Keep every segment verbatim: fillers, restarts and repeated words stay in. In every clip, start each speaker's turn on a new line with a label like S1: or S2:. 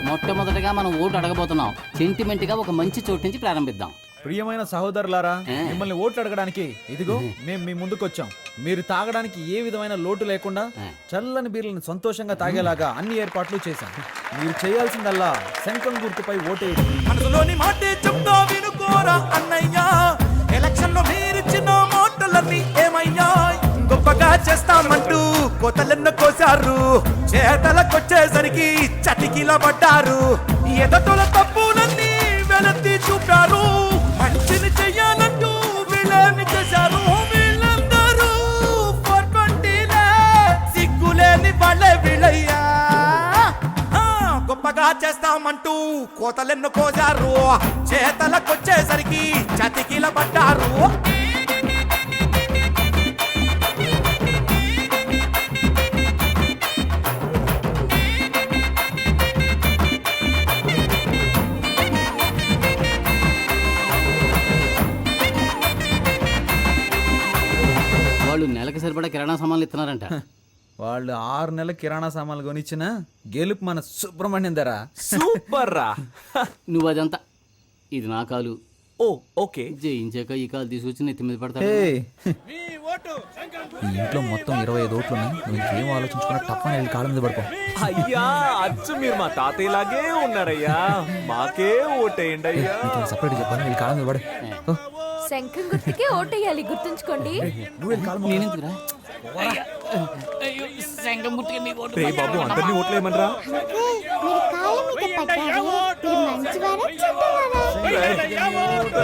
S1: మొట్టమొదటిగా మనం vote అడగబోతున్నాం. Sentiment గా ఒక మంచి చోటు నుంచి ప్రారంభిద్దాం.
S2: ప్రియమైన సహోదరులారా, మిమ్మల్ని ఓట్లు అడగడానికి ఇదిగో మేము మీ ముందుకు వచ్చాం. మీరు తాగడానికి ఏ విధమైన లోటు లేకుండా చల్లని బీర్లను సంతోషంగా తాగేలాగా అన్ని ఏర్పాట్లు చేశాం. మీరు చేయాల్సిందల్లా శంఖం గుర్తుపై ఓటేయండి.
S3: మనసులోని మాటే చెప్తా వినుకోరా అన్నయ్యా, ఎలక్షన్ లో మీరిచ్చిన మాటలన్నీ ఏమయ్యా? గొప్పగా చేస్తామంటూ కోతలెన్న కోసారు, చేతలకొచ్చేసరికి చటికిల పడ్డారు. ఎదటోల తప్పులన్నీ వెలత్తి చూపారు, మంచిని చెయ్యాలంటూ వీళ్ళని చేశారు. వీళ్ళందరూ ఫోర్ ట్వంటీలే, సిగ్గులేని వాళ్ళే వీళ్ళయ్యా. గొప్పగా చేస్తామంటూ కోతలెన్నో కోసారు, చేతలకొచ్చేసరికి చతికిల పడ్డారు.
S1: వాళ్ళు నెలకి సరిపడా కిరాణా సామాన్లు ఇస్తున్నారంట.
S2: వాళ్ళు ఆరు నెలల కిరాణా సామాన్లు కొనిచ్చిన గెలుపు మన సుబ్రహ్మణ్యం ధర.
S4: సూపర్ రా.
S1: నువ్వు అదంతా, ఇది నా కాలు.
S4: ఓ ఓకే.
S1: జయించాక ఈ కాలు తీసుకొచ్చి నెత్తి మీద పడతా.
S2: ఏయ్, ఈ ఇంట్లో మొత్తం ఇరవై ఐదు ఓట్లు ఉన్నాయి. నువ్వు ఇంకేం ఆలోచించుకున్నా తప్పని వెళ్ళి కాళ్ళ మీద పడుకో.
S4: అయ్యా అచ్చు మీరు మా తాతయ్యలాగే ఉన్నారయ్యా, మాకే ఓటేయండి అయ్యా.
S2: సపరేట్ చెప్పాను, వెళ్ళి కాళ్ళ మీద పడు. ఓ,
S5: శంఖం గుర్తుకే ఓటేయాలి, గుర్తుంచుకోండి.
S2: నువ్వు వెళ్ళి కాళ్ళ మీద
S1: నేనెందుకురా? అయ్యో, శంఖం గుర్తుకే మీ ఓటు.
S4: రే బాబు అందరినీ ఓట్లేయమనరా.
S6: మీరు కాళ్ళ మీద పడ్డారే, మీరు మంచివారా చెడ్డవారా?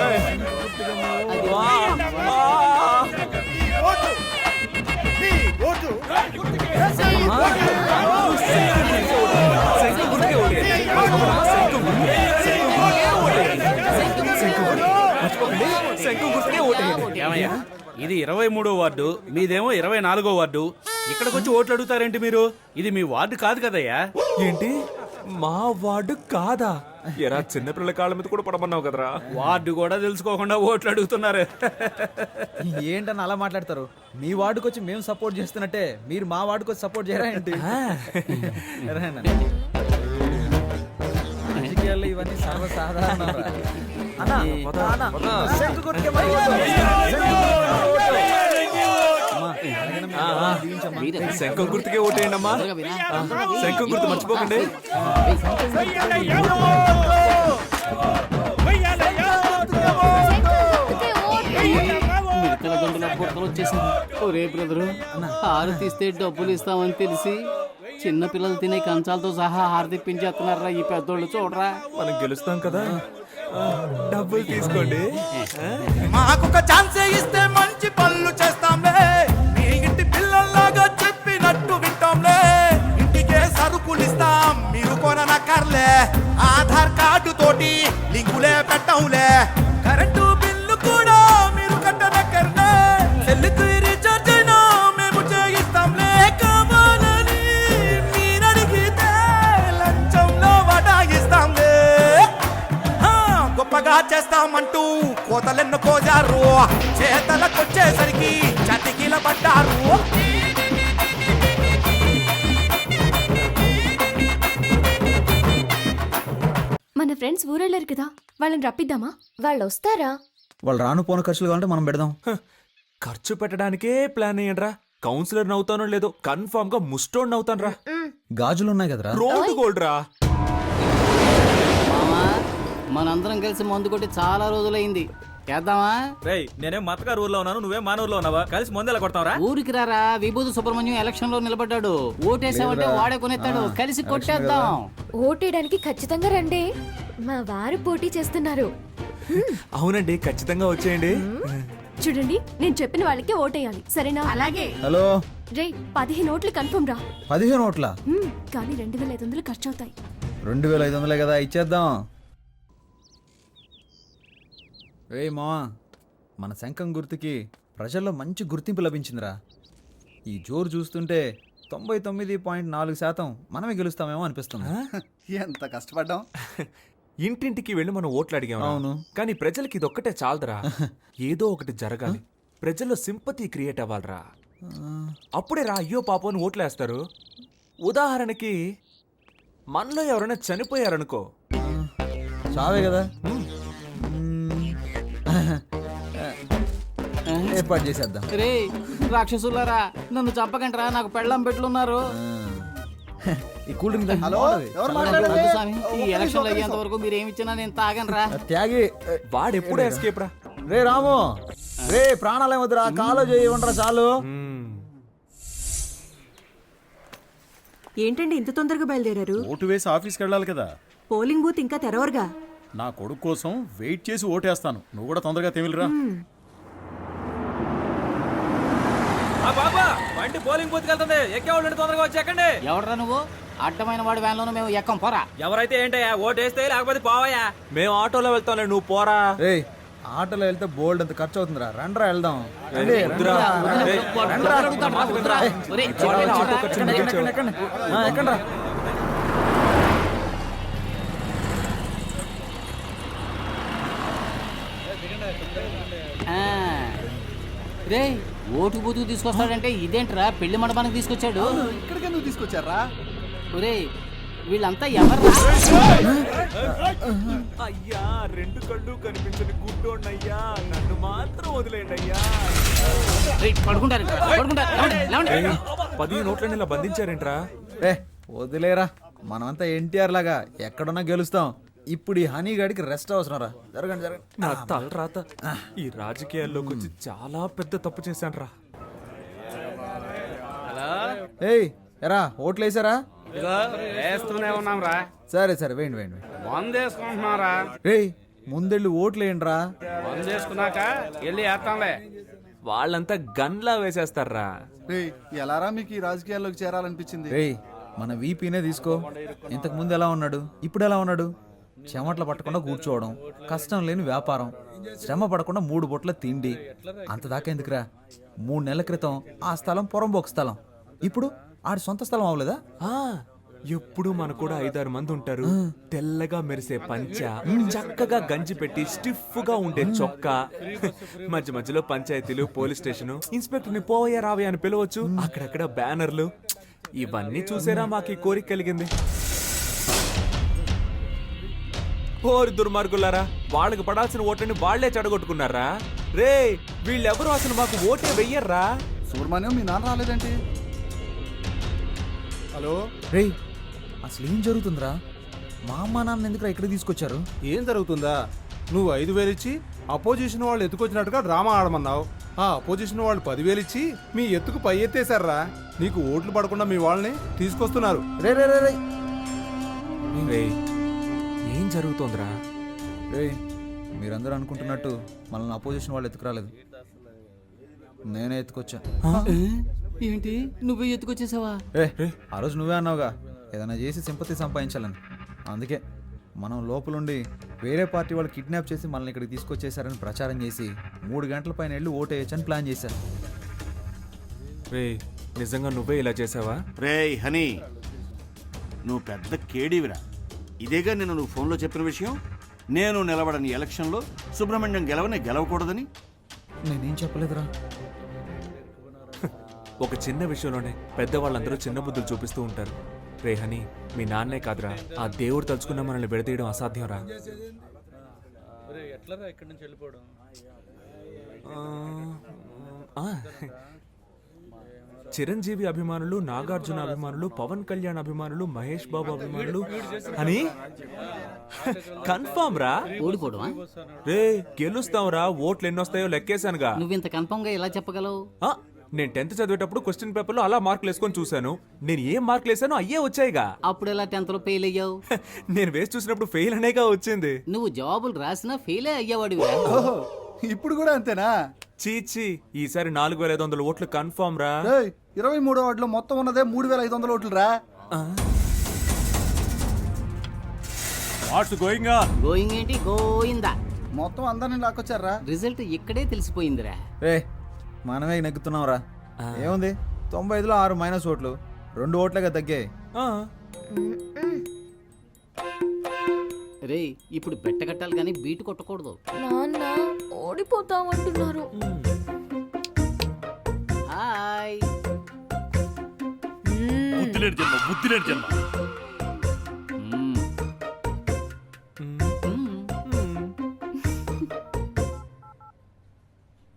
S7: ఏమయ్యా, ఇది ఇరవై మూడో వార్డు, మీదేమో ఇరవై నాలుగో వార్డు. ఇక్కడికి వచ్చి ఓట్లు అడుగుతారేంటి మీరు? ఇది మీ వార్డు కాదు కదయ్యా.
S4: ఏంటి మా వార్డు కాదా? ఎరా చిన్నపిల్లల కాళ్ళ మీద కూడా పడమన్నావు కదరా.
S7: వార్డు కూడా తెలుసుకోకుండా ఓట్లు అడుగుతున్నారు.
S2: ఏంటని అలా మాట్లాడతారు? మీ వార్డుకి వచ్చి మేము సపోర్ట్ చేస్తున్నట్టే మీరు మా వార్డుకి వచ్చి సపోర్ట్ చేయరా ఏంటి? రాజకీయాల్లో ఇవన్నీ సర్వసాధారణం.
S4: శంఖం గుర్తుకే ఓటేయండి అమ్మా. శంఖం గుర్తు మర్చిపోకండి.
S1: మిగతా గంటల బుట్టలు వచ్చేసింది. ఒరే బ్రదరు, ఆరు తీస్తే డబ్బులు ఇస్తామని తెలిసి చిన్న పిల్లలు తినే కంచాలతో సహా ఆరు తెప్పించేస్తున్నారా ఈ పెద్దోళ్ళు. చూడరా,
S4: మనం గెలుస్తాం కదా, డబ్బులు తీసుకోండి.
S3: మాకొక ఛాన్సే ఇస్తే మంచి పనులు చేస్తాంలే, మీ ఇంటి పిల్లల్లాగా చెప్పినట్టు వింటాంలే. ఇంటికే సరుకులు ఇస్తాం, మీరు కొననక్కర్లే. ఆధార్ కార్డు తోటి లింకులే పెట్టంలే, కరెంటు బిల్లు కూడా మీరు కట్టనక్కర్లే. సెల్లుకు రీఛార్జ్ అయినా మేము చేయిస్తాంలే. కావాలని మీరడిగితే లంచంలో వడాయిస్తాంలే. గొప్పగా చేస్తామంటూ కోతలెన్నో కోజారు, చేతలకొచ్చేసరికి చతికిల పడ్డారు.
S5: మన ఫ్రెండ్స్ ఊరెళ్ళారు కదా, వాళ్ళని రప్పిద్దామా? వాళ్ళు వస్తారా?
S2: వాళ్ళు రాను పోను ఖర్చులు కావాలంటే మనం పెడదాం.
S4: ఖర్చు పెట్టడానికే ప్లాన్ అయ్యండ్రా. కౌన్సిలర్ నవ్వుతానో లేదో కన్ఫర్మ్ గా ముస్టోడ్ నవ్వుతాను రా.
S2: గాజులు ఉన్నాయి కదరా.
S4: రోడ్డు గోల్డ్ రా.
S1: మామా, మనందరం కలిసి మందు కొట్టి చాలా రోజులైంది. చేద్దామా?
S7: రేయ్, నేనేం మతగారు ఊర్లో ఉన్నాను, నువ్వేం మానూరులో ఉన్నావా? కలిసి ముందెలా కొడతావరా?
S1: ఊరికి రారా, విభూతి సుబ్రహ్మణ్యం ఎలక్షన్ లో నిలబడ్డాడు. ఓటేసామంటే వాడే కొనేస్తాడు. కలిసి కొట్టేద్దాం.
S5: ఓటేయడానికి ఖచ్చితంగా రండి, మా వారు పోటీ చేస్తున్నారు.
S4: అవునండి, ఖచ్చితంగా వచ్చేయండి.
S5: చూడండి, నేను చెప్పిన వాళ్ళకి ఓటేయాలి, సరేనా? అలాగే.
S2: హలో
S5: రే, పదిహేను ఓట్లు కన్ఫర్మ్ రా.
S2: పదిహేను ఓట్ల
S5: హ్మ్, కానీ రెండు వేల ఐదు వందలు ఖర్చు అవుతాయి.
S2: రెండు వేల ఐదు వందలే కదా, ఇచ్చేద్దాం. ఏయ్ మా, మన శంఖం గుర్తుకి ప్రజల్లో మంచి గుర్తింపు లభించిందిరా. ఈ జోరు చూస్తుంటే తొంభై తొమ్మిది పాయింట్ నాలుగు శాతం మనమే గెలుస్తామేమో అనిపిస్తుంది.
S8: ఎంత కష్టపడ్డాం.
S4: ఇంటింటికి వెళ్ళి మనం ఓట్లు అడిగాం.
S2: అవును.
S4: కానీ ప్రజలకి ఇదొక్కటే చాలదురా. ఏదో ఒకటి జరగాలి, ప్రజల్లో సింపతి క్రియేట్ అవ్వాలరా. అప్పుడే రా అయ్యో పాపం అని ఓట్లేస్తారు. ఉదాహరణకి మనలో ఎవరైనా చనిపోయారనుకో,
S2: చావే కదా. ఏర్పాటు చేసేద్దాం.
S1: రే రాక్షసులారా, నన్ను చంపకంటరా, నాకు పెళ్ళం పెట్లున్నారు.
S2: ఈ కూల్ డ్రింక్ తాగి
S8: హలో
S2: బాగుంటది.
S8: ఎవరు
S2: చల్లగా
S8: మాట్లాడేది?
S1: వద్దు స్వామి, ఈ
S8: ఒక్క నిమిషం,
S1: ఎలక్షన్లు
S8: ఒక్క
S1: అయ్యేంత
S8: నిమిషం.
S1: వరకు మీరు ఏమి ఇచ్చినా నేను తాగనరా.
S2: త్యాగి.
S4: వాడెప్పుడు ఎస్కేప్ రా.
S2: రే రాము, రే ప్రాణాలు ఏమొద్దురా, కాలో చేయి ఉండరా చాలు.
S9: ఏంటండి ఇంత తొందరగా బయలుదేరారు?
S10: ఓటు వేసి ఆఫీస్కి వెళ్ళాలి కదా.
S9: పోలింగ్ బూత్ ఇంకా తెరవరుగా.
S10: నా కొడుకు కోసం వెయిట్ చేసి ఓటేస్తాను. నువ్వు కూడా తొందరగా తెమిలిరా.
S4: బాబా బండి పోలింగ్ బూత్ వెళ్తుంది, ఎక్కేవాళ్ళు తొందరగా వచ్చి ఎక్కండి.
S1: ఎవడరా నువ్వు? అడ్డమైన వాడి వ్యాన్లోనూ మేము ఎక్కం, పోరా.
S4: ఎవరైతే ఏంటయ్యా, ఓటు వేస్తే లేకపోతే పోవయ్యా. మేము ఆటోలో వెళ్తాంలే, నువ్వు పోరా.
S2: రే ఆటోలో వెళ్తే బోల్డ్ అంత ఖర్చు అవుతుందిరా, రండ్రా వెళ్దాం. రండి,
S4: వద్దురా.
S2: రండి.
S4: ఏయ్,
S1: వద్దురా, వద్దురా, వద్దురా. ఒరేయ్, చెప్పేనా,
S4: ఆటో
S1: వద్దురా.
S4: ఖర్చు
S2: ఎక్కండి, ఎక్కండి, ఎక్కండి. ఆ, ఎక్కండ్రా.
S1: ఆ. రేయ్, ఓటు బూతుకు తీసుకొస్తాడంటే ఇదేంట్రా, పెళ్లి మండపానికి తీసుకొచ్చాడు.
S8: ఇక్కడికి ఎందుకు తీసుకొచ్చారా?
S1: ఒరేయ్, వీళ్ళంతా ఎవర్రా?
S4: అయ్యా, రెండు కళ్ళు కనిపించని గుడ్డోన్నయ్యా, నన్ను మాత్రం వదిలేండి అయ్యా.
S1: రేయ్, పడుకుంటారు ఇక్కడ, పడుకుంటారు. లేవండి, లేవండి.
S4: పది నోట్లని ఇలా బంధించారేంట్రా?
S2: రే వదిలేరా, మనమంతా ఎన్టీఆర్ లాగా ఎక్కడున్నా గెలుస్తాం. ఇప్పుడు ఈ హనీ గాడికి రెస్ట్ అవసరం రా. జరగండి జరగండి.
S4: నా తల రాత, ఈ రాజకీయాల్లోకి వచ్చి చాలా పెద్ద తప్పు చేశాను రా.
S2: ఏయ్ ఎరా, ఓట్లు వేసారా?
S7: ఇదిగో వేస్తూనే ఉన్నాం రా.
S2: సరే సరే వేయండి వేయండి వేయండి.
S7: మందు వేసుకుంటున్నారా?
S2: రేయ్ ముందెళ్ళి ఓట్లు వేయండిరా.
S7: మందు వేసుకున్నాక వెళ్ళి వేస్తాంలే.
S4: వాళ్ళంతా గన్లా వేసేస్తారా.
S8: రే ఎలారా మీకు ఈ రాజకీయాల్లోకి చేరాలనిపించింది?
S2: రేయ్ మన వీపీనే తీసుకో. ఇంతకు ముందు ఎలా ఉన్నాడు, ఇప్పుడు ఎలా ఉన్నాడు? చెమటలు పట్టకుండా కూర్చోవడం, కష్టం లేని వ్యాపారం, శ్రమ పడకుండా మూడు బొట్ల తిండి. అంత దాకా ఎందుకురా? మూడు నెలల క్రితం ఆ స్థలం పొరంబోకు స్థలం, ఇప్పుడు ఆడి సొంత స్థలం అవ్వలేదా?
S4: ఆ, ఎప్పుడు మన కూడా ఐదారు మంది ఉంటారు. తెల్లగా మెరిసే పంచ, చక్కగా గంజి పెట్టి స్టిఫ్ గా ఉండే చొక్కా, మధ్య మధ్యలో పంచాయతీలు, పోలీస్ స్టేషన్, ఇన్స్పెక్టర్ ని పోయా రావయ్య అని పిలవచ్చు, అక్కడక్కడ బ్యానర్లు. ఇవన్నీ చూసేరా మాకు ఈ కోరిక కలిగింది. ఓరి దుర్మార్గులారా, వాళ్ళకి పడాల్సిన ఓట్లని వాళ్లే చెడగొట్టుకున్నారా. రే వీళ్ళెవరు అసలు మాకు ఓటే వెయ్యర్రా.
S8: సుబ్రహ్మణ్యం మీ నాన్న రాలేదేంటి? హలో
S2: రేయ్ అసలు ఏం జరుగుతుందిరా? మా అమ్మ నాన్న ఎందుకురా ఇక్కడ తీసుకొచ్చారు?
S11: ఏం జరుగుతుందా? నువ్వు ఐదు వేలు ఇచ్చి అపోజిషన్ వాళ్ళు ఎత్తుకొచ్చినట్టుగా డ్రామా ఆడమన్నావు. ఆ అపోజిషన్ వాళ్ళు పదివేలు ఇచ్చి మీ ఎత్తుకు పై ఎత్తేశారా. నీకు ఓట్లు పడకుండా మీ వాళ్ళని తీసుకొస్తున్నారు.
S2: రే రే రే రే
S4: రే ఏం జరుగుతోందిరా?
S2: రే మీరందరూ అనుకుంటున్నట్టు మనల్ని అపోజిషన్ వాళ్ళు ఎత్తుకురాలేదు, నేనే ఎత్తుకొచ్చా.
S1: ఏంటి, నువ్వే ఎత్తుకొచ్చేసావా?
S2: ఏ ఆ రోజు నువ్వే అన్నావుగా ఏదైనా చేసి సింపతి సంపాదించాలని. అందుకే మనం లోపలుండి వేరే పార్టీ వాళ్ళు కిడ్నాప్ చేసి మనల్ని ఇక్కడికి తీసుకొచ్చేసారని ప్రచారం చేసి మూడు గంటల పైన వెళ్ళి ఓటేయచ్చని ప్లాన్ చేశారు.
S4: రే నిజంగా నువ్వే ఇలా చేసావా?
S3: రేయ్ హనీ, నువ్వు పెద్ద కేడీవిరా. ఇదేగా నేను నువ్వు ఫోన్లో చెప్పిన విషయం. నేను నిలబడని ఎలక్షన్లో సుబ్రహ్మణ్యం గెలవని గెలవకూడదని.
S2: నేనేం చెప్పలేదురా.
S4: ఒక చిన్న విషయంలోనే పెద్దవాళ్ళందరూ చిన్న బుద్ధులు చూపిస్తూ ఉంటారు. రే హనీ, మీ నాన్నే కాదురా, ఆ దేవుడు తలుచుకున్న మనల్ని విడదీయడం అసాధ్యం రా. ఆ, చిరంజీవి అభిమానులు, నాగార్జున అభిమానులు, పవన్ కళ్యాణ్ అభిమానులు, మహేష్ బాబు అభిమానులు అని కన్ఫర్మ్ రా.
S1: ఓడిపోవడమా?
S4: రే గెలుస్తాం రా, ఓట్లు ఎన్నొస్తాయో లెక్కేశానుగా.
S1: నువ్వింత కన్ఫర్మ్ గా ఎలా చెప్పగలవు?
S4: ఆ, నేను టెన్త్ చదివేటప్పుడు క్వశ్చన్ పేపర్ లో అలా మార్కులు వేసుకొని చూశాను. నేను ఏం మార్కులు వేసానో అయ్యే వచ్చాయిగా.
S1: అప్పుడు ఎలా టెన్త్ లో ఫెయిల్ అయ్యావు?
S4: నేను వేసి చూసినప్పుడు ఫెయిల్ అనేగా వచ్చింది.
S1: నువ్వు జవాబులు రాసినా ఫెయిలే అయ్యేవాడివి.
S8: ఓహో ఇప్పుడు కూడా అంతేనా?
S4: చీచి, ఈసారి నాలుగు వేల ఐదు వందల ఓట్లు కన్ఫర్మ్ రా.
S8: రేయ్ ఇరవై మూడో వార్డులో మొత్తం ఉన్నదే మూడు వేల ఐదు వందల ఓట్లు రా.
S10: What's going on?
S1: గోయింగ్ ఏంటి, గోయిందా.
S8: మొత్తం అందరిని లాక్కొచ్చారా.
S1: రిజల్ట్ ఇక్కడే తెలిసిపోయిందిరా.
S2: రే మనమే నెగ్గుతున్నాం రా. ఏముంది, తొంభై ఐదులో ఆరు మైనస్ ఓట్లు, రెండు ఓట్లుగా తగ్గాయి.
S4: ఆ,
S1: రే ఇప్పుడు బెట్ట కట్టాలి కానీ బీటు కొట్టకూడదు.
S5: నాన్న ఓడిపోతామంటున్నారు.
S1: హాయ్.
S10: బుద్ధిలేని జన్మ, బుద్ధిలేని జన్మ.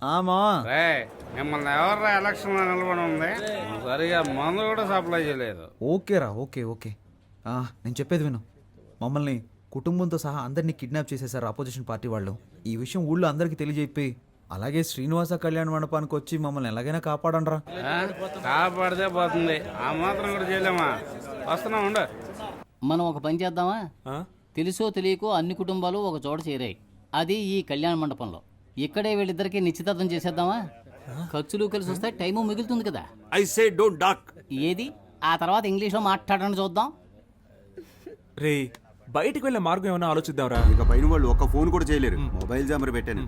S2: ఆమా
S7: రే మిమ్మల్ని ఎవర్రా ఎలక్షన్ లో నిలబడి ఉంది సరిగా మందు కూడా సప్లై చేయలేదు.
S2: ఓకేరా ఓకే ఓకే ఆ, నేను చెప్పేది విను. మమ్మల్ని కుటుంబంతో సహా అందరినీ కిడ్నాప్ చేసేశారు అపోజిషన్ పార్టీ వాళ్ళు. ఈ విషయం ఊళ్ళో అందరికీ తెలియజెప్పి అలాగే శ్రీనివాస కళ్యాణ మండపానికి వచ్చి మమ్మల్ని ఎలాగైనా కాపాడండ్రా.
S7: ఆ? కాపాడితే పోతుంది, ఆ మాత్రం కూడా చేయలేమా? వస్తున్నా ఉండు.
S1: మనం ఒక పని చేద్దామా?
S4: ఆ?
S1: తెలుసో తెలియకో అన్ని కుటుంబాలు ఒక చోట చేరాయి, అది ఈ కళ్యాణ మండపంలో. ఇక్కడే వీళ్ళిద్దరికి నిశ్చితార్థం చేసేద్దామా? ఖర్చులు కలిసి వస్తే టైము మిగులుతుంది కదా.
S3: I say don't talk.
S1: ఏది ఆ తర్వాత ఇంగ్లీష్లో మాట్లాడడం చూద్దాం.
S4: రే బయటికి వెళ్ళే మార్గం ఏమైనా ఆలోచిద్దాంరా.
S3: ఇక పైన వాళ్ళు ఒక్క ఫోన్ కూడా చేయలేరు. మొబైల్ జామర్ పెట్టాను.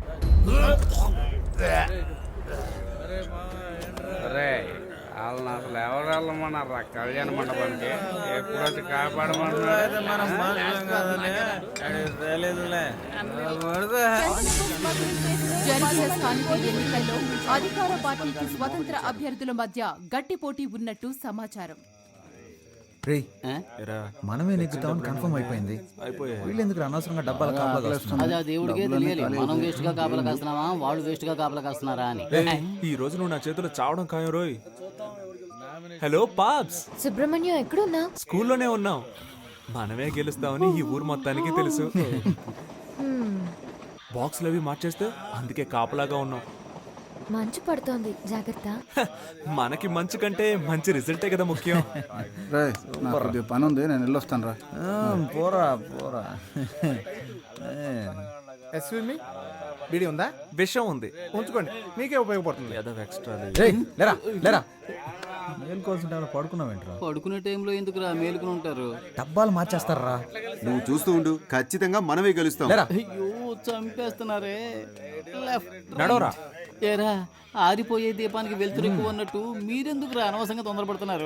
S7: రే వాళ్ళని అసలు ఎవరు వెళ్ళమన్నారా కళ్యాణ మండపానికి? ఎప్పుడు వచ్చి కాపాడమంటున్నాడు.
S5: జరిగే స్థానిక ఎన్నికల్లో అధికార పార్టీకి స్వతంత్ర అభ్యర్థుల మధ్య గట్టి పోటీ ఉన్నట్టు సమాచారం.
S2: రే
S1: ఆ?
S2: మనమే నెగ్గుతామని కన్ఫర్మ్ అయిపోయింది. వీళ్ళు ఎందుకు అనవసరంగా డబ్బాలు కాపలా
S1: అది ఆ దేవుడికే తెలియాలి, మనం వేస్ట్ గా కాపలా కాస్తున్నామా వాళ్ళు వేస్ట్ గా కాపలా కాస్తున్నారా అని.
S4: ఈ రోజు నువ్వు నా చేతిలో చావడం ఖాయం రోయ్. హలో పాప్స్,
S5: సుబ్రహ్మణ్యం ఎక్కడున్నా?
S4: స్కూల్లోనే ఉన్నాం. మనమే గెలుస్తామని ఈ ఊరు మొత్తానికి తెలుసు. బాక్స్లు అవి మార్చేస్తే అందుకే కాపలాగా ఉన్నాం.
S5: మంచు పడుతోంది, జాగ్రత్త.
S4: హ, మనకి మంచి కంటే మంచి రిజల్టే కదా ముఖ్యం.
S8: రే నాకు కొద్దిగా పని ఉంది, నేను వెళ్ళొస్తాను రా.
S2: పోరా పోరా.
S11: ఎస్వి బీడి ఉందా?
S4: విషయం ఉంది,
S11: ఉంచుకోండి, మీకే ఉపయోగపడుతుంది.
S4: ఏదో ఎక్స్ట్రా.
S2: రేయ్, లేరా లేరా. మేలుకోవాల్సిన టైంలో పడుకున్నావేంట్రా?
S1: పడుకునే టైంలో ఎందుకురా మేలుకుని ఉంటారు?
S2: డబ్బాలు మార్చేస్తారా?
S3: నువ్వు చూస్తూ ఉండు, ఖచ్చితంగా మనమే గెలుస్తాం.
S2: లేరా.
S1: అయ్యో చంపేస్తున్నారే. లెఫ్ట్
S4: నడవరా.
S1: ఏరా ఆరిపోయే దీపానికి వెళ్తురు ఎక్కువ అన్నట్టు మీరెందుకు రా అనవసరంగా తొందరపడుతున్నారు?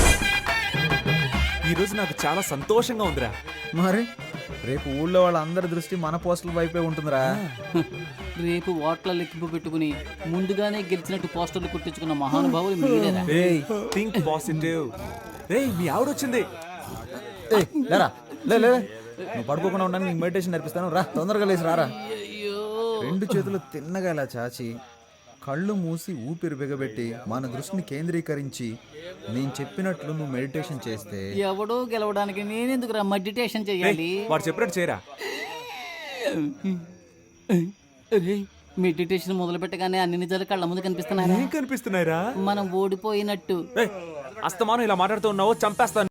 S4: ఈ రోజు నాకు చాలా సంతోషంగా ఉందిరా.
S2: మరి రేపు ఊళ్ళో వాళ్ళ అందరి దృష్టి మన పోస్టుల వైపే ఉంటుందిరా.
S1: రేపు ఓట్ల లెక్కింపు పెట్టుకుని ముందుగానే గెలిచినట్టు పోస్టర్లు కుట్టించుకున్న మహానుభావులు మీరేరా.
S4: రేయ్ థింక్ పాజిటివ్. రేయ్ మీ ఆవిడ వచ్చింది.
S2: ఏయ్, లేరా లే లే లే. నువ్వు పడుకోకుండా ఉండడానికి నీకు మెడిటేషన్ నేర్పిస్తాను, రా తొందరగా లేచి రారా.
S1: అయ్యో
S2: రెండు చేతులు తిన్నగా ఇలా చాచి కళ్ళు మూసి ఊపిరి బిగబెట్టి మన దృష్టిని కేంద్రీకరించి నేను చెప్పినట్లు నువ్వు మెడిటేషన్ చేస్తే
S1: ఎవడో గెలవడానికి నేనెందుకు రా మెడిటేషన్ చెయ్యాలి?
S4: వాడు చెప్పినట్టు చేయరా.
S1: మెడిటేషన్ మొదలు పెట్టగానే అన్ని నిజాలు కళ్ళ ముందు కనిపిస్తున్నారా?
S4: ఏం కనిపిస్తున్నాయిరా?
S1: మనం ఓడిపోయినట్టు.
S4: అస్తమానం ఇలా మాట్లాడుతూ ఉన్నావు, చంపేస్తాను.